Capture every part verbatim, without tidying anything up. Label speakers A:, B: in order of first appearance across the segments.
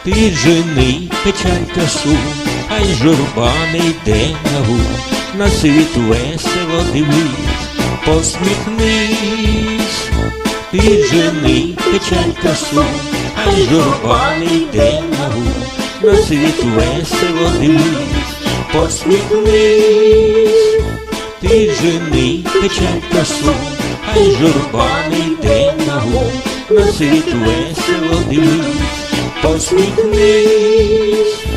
A: Ти жени печаль та сум, ай журба не йде на гум, на світ весело дивись, посміхнись. Ти жени печаль та сум, ай журба не йде на гум, на світ весело дивись, посміхнись. Ти жени печаль та сум, ай журба не йде на гум, на світ весело дивись, посміхнись.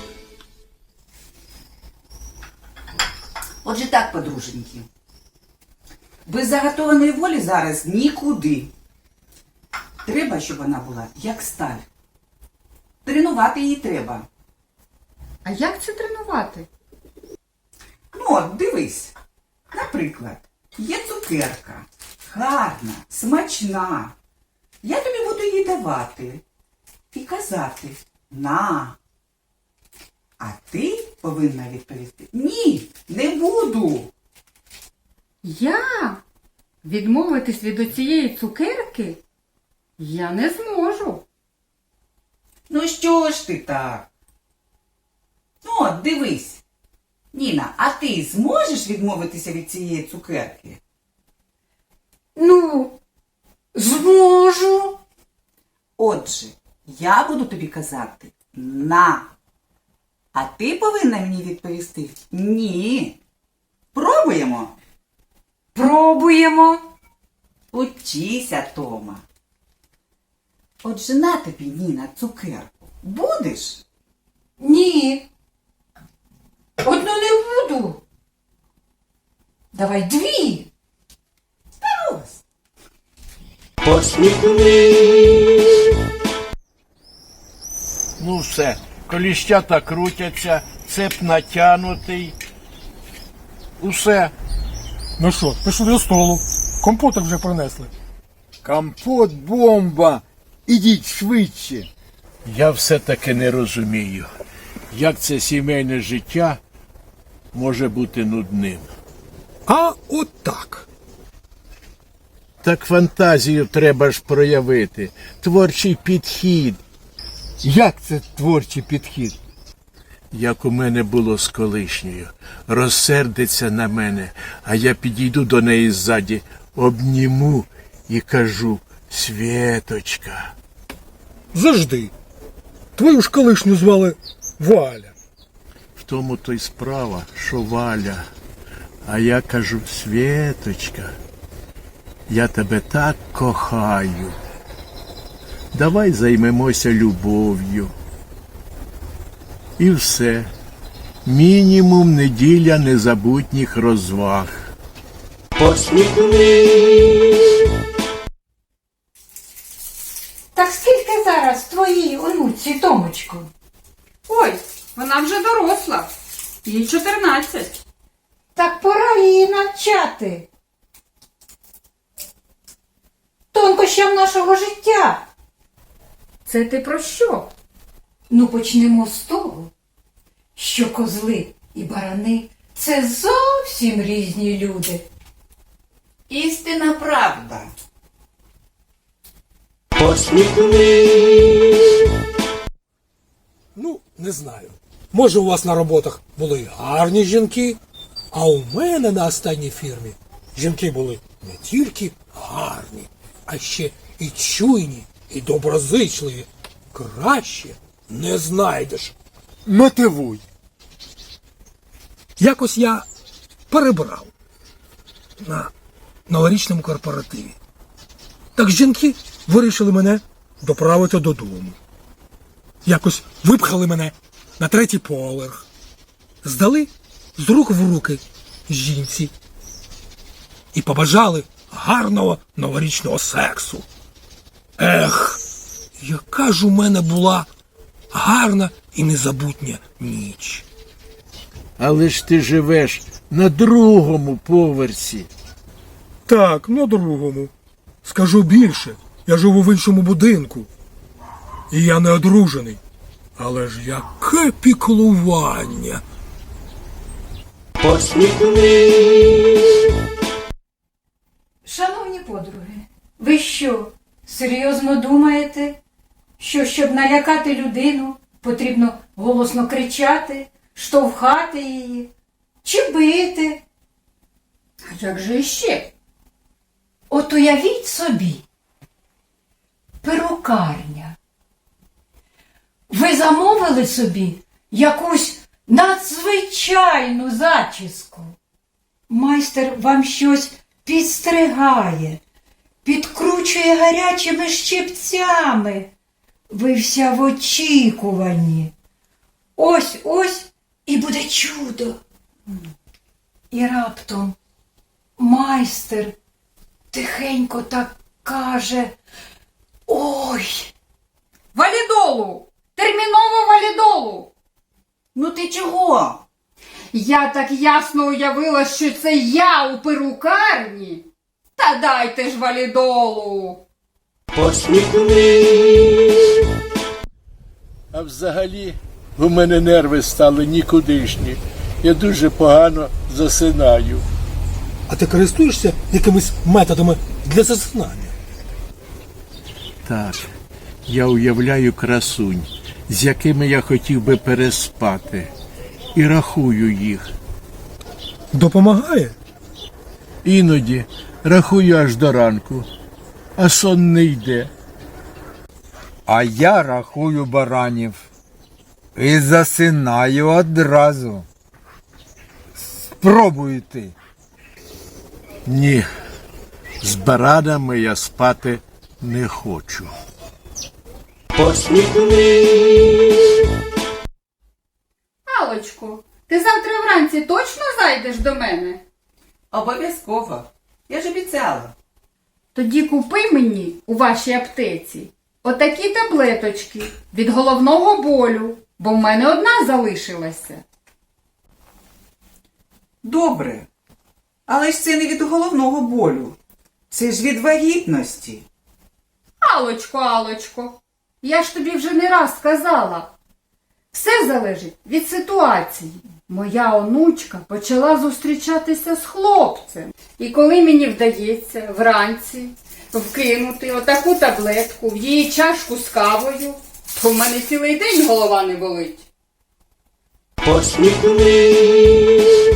B: Отже так, подруженьки, без заготованої волі зараз нікуди. Треба, щоб вона була як сталь. Тренувати її треба.
C: А як це тренувати?
B: Ну от, дивись. Наприклад, є цукерка. Гарна, смачна. Я тобі буду її давати. І казати «на». А ти повинна відповісти «ні, не буду».
C: Я? Відмовитись від оцієї цукерки? Я не зможу.
B: Ну що ж ти так? Ну от, дивись. Ніна, а ти зможеш відмовитися від цієї цукерки?
C: Ну, зможу.
B: Отже, я буду тобі казати «на». А ти повинна мені відповісти «ні». Пробуємо?
C: Пробуємо.
B: Учися, Тома. Отже, на тобі, Ніна, цукерку. Будеш?
C: Ні. Одну не буду. Давай дві.
B: Ось.
A: Посміхнись.
D: Ну все, коліщата крутяться, цеп натянутий. Усе.
E: Ну що, пішли до столу. Компотик вже принесли.
F: Компот, бомба! Ідіть швидше.
D: Я все-таки не розумію, як це сімейне життя може бути нудним.
E: А от так.
D: Так фантазію треба ж проявити, творчий підхід.
F: Як це творчий підхід?
D: Як у мене було з колишньою. Розсердиться на мене, а я підійду до неї ззаді, обніму і кажу: «Свєточка».
E: Завжди. Твою ж колишню звали Валя.
D: В тому то й справа, що Валя. А я кажу: «Свєточка, я тебе так кохаю. Давай займемося любов'ю». І все. Мінімум неділя незабутніх розваг.
A: Посміхнись.
C: Так скільки зараз твоїй онуці, Томочку?
G: Ой, вона вже доросла. Їй чотирнадцять.
C: Так пора її навчати тонкощам нашого життя. Це ти про що? Ну, почнемо з того, що козли і барани – це зовсім різні люди.
B: Істинна правда.
A: Посміхнись.
E: Ну, не знаю. Може, у вас на роботах були гарні жінки, а у мене на останній фірмі жінки були не тільки гарні, а ще і чуйні, і доброзичливі. Краще не знайдеш.
F: Мотивуй.
E: Якось я перебрав на новорічному корпоративі. Так жінки вирішили мене доправити додому. Якось випхали мене на третій поверх. Здали з рук в руки жінці. І побажали гарного новорічного сексу. Ех, яка ж у мене була гарна і незабутня ніч.
D: Але ж ти живеш на другому поверсі.
E: Так, на другому. Скажу більше, я живу в іншому будинку. І я не одружений. Але ж яке піклування.
A: Посміхнись.
C: Шановні подруги, ви що, серйозно думаєте, що, щоб налякати людину, потрібно голосно кричати, штовхати її чи бити.
G: А як же іще?
C: От уявіть собі, перукарня. Ви замовили собі якусь надзвичайну зачіску. Майстер вам щось підстригає, підкручує гарячими щипцями. Ви вся в очікуванні. Ось-ось і буде чудо. І раптом майстер тихенько так каже: ой,
G: Валідолу! Терміново валідолу!
B: Ну ти чого?
G: Я так ясно уявила, що це я у перукарні. Та дайте ж валідолу!
A: Посміхнись,
D: А взагалі у мене нерви стали нікудишні. Я дуже погано засинаю.
E: А ти користуєшся якимись методами для засинання?
D: Так, я уявляю красунь, з якими я хотів би переспати, і рахую їх.
E: Допомагає?
D: Іноді рахую аж до ранку, а сон не йде.
F: А я рахую баранів і засинаю одразу. Спробуй ти.
D: Ні, з баранами я спати не хочу.
A: посміхнись,
G: Алочку, ти завтра вранці точно зайдеш до мене?
B: Обов'язково. Я ж обіцяла.
G: Тоді купи мені у вашій аптеці отакі таблеточки від головного болю, бо в мене одна залишилася.
B: Добре. Але ж це не від головного болю. Це ж від вагітності.
G: Алочко, Алочко, я ж тобі вже не раз сказала. Все залежить від ситуації. Моя онучка почала зустрічатися з хлопцем. І коли мені вдається вранці вкинути отаку таблетку в її чашку з кавою, то в мене цілий день голова не болить.
A: посміхнись,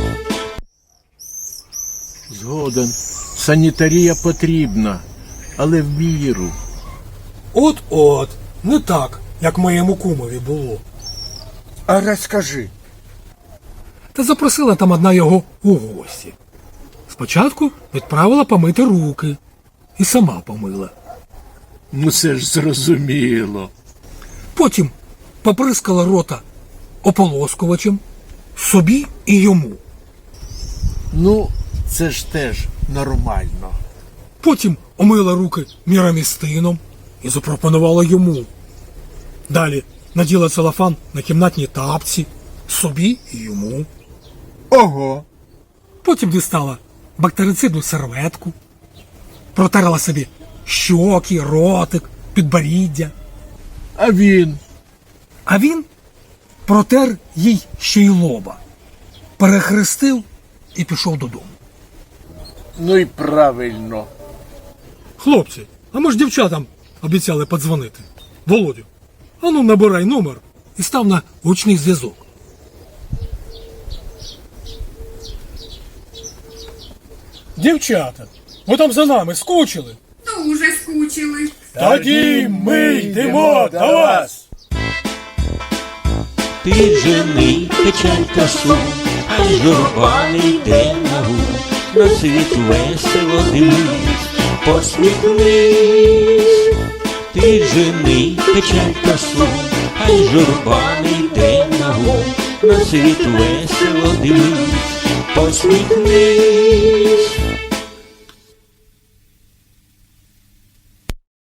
D: Згоден, санітарія потрібна, але в міру.
E: От-от, не так, як моєму кумові було.
F: А розкажи.
E: Та запросила там одна його у гості. Спочатку відправила помити руки і сама помила.
D: Ну це ж зрозуміло.
E: Потім поприскала рота ополоскувачем собі і йому.
D: Ну, це ж теж нормально.
E: Потім омила руки мірамістином і запропонувала йому. Далі наділа целофан на кімнатні тапці собі і йому.
F: Ого.
E: Потім дістала бактерицидну серветку, протерла собі щоки, ротик, підборіддя.
D: А він?
E: А він протер їй ще й лоба, перехрестив і пішов додому.
D: Ну і правильно.
E: Хлопці, а ми ж дівчатам обіцяли подзвонити. Володю, ану набирай номер і став на гучний зв'язок. Дівчата, ви там за нами скучили?
G: Дуже скучили.
E: Тоді ми йдемо до вас.
A: піджени печаль та сум, а журба не йде нагу, на світ весело дивись, посміхнись, піджени печаль та сум, а журба не йде нагу, на світ весело дивись, посміхнись.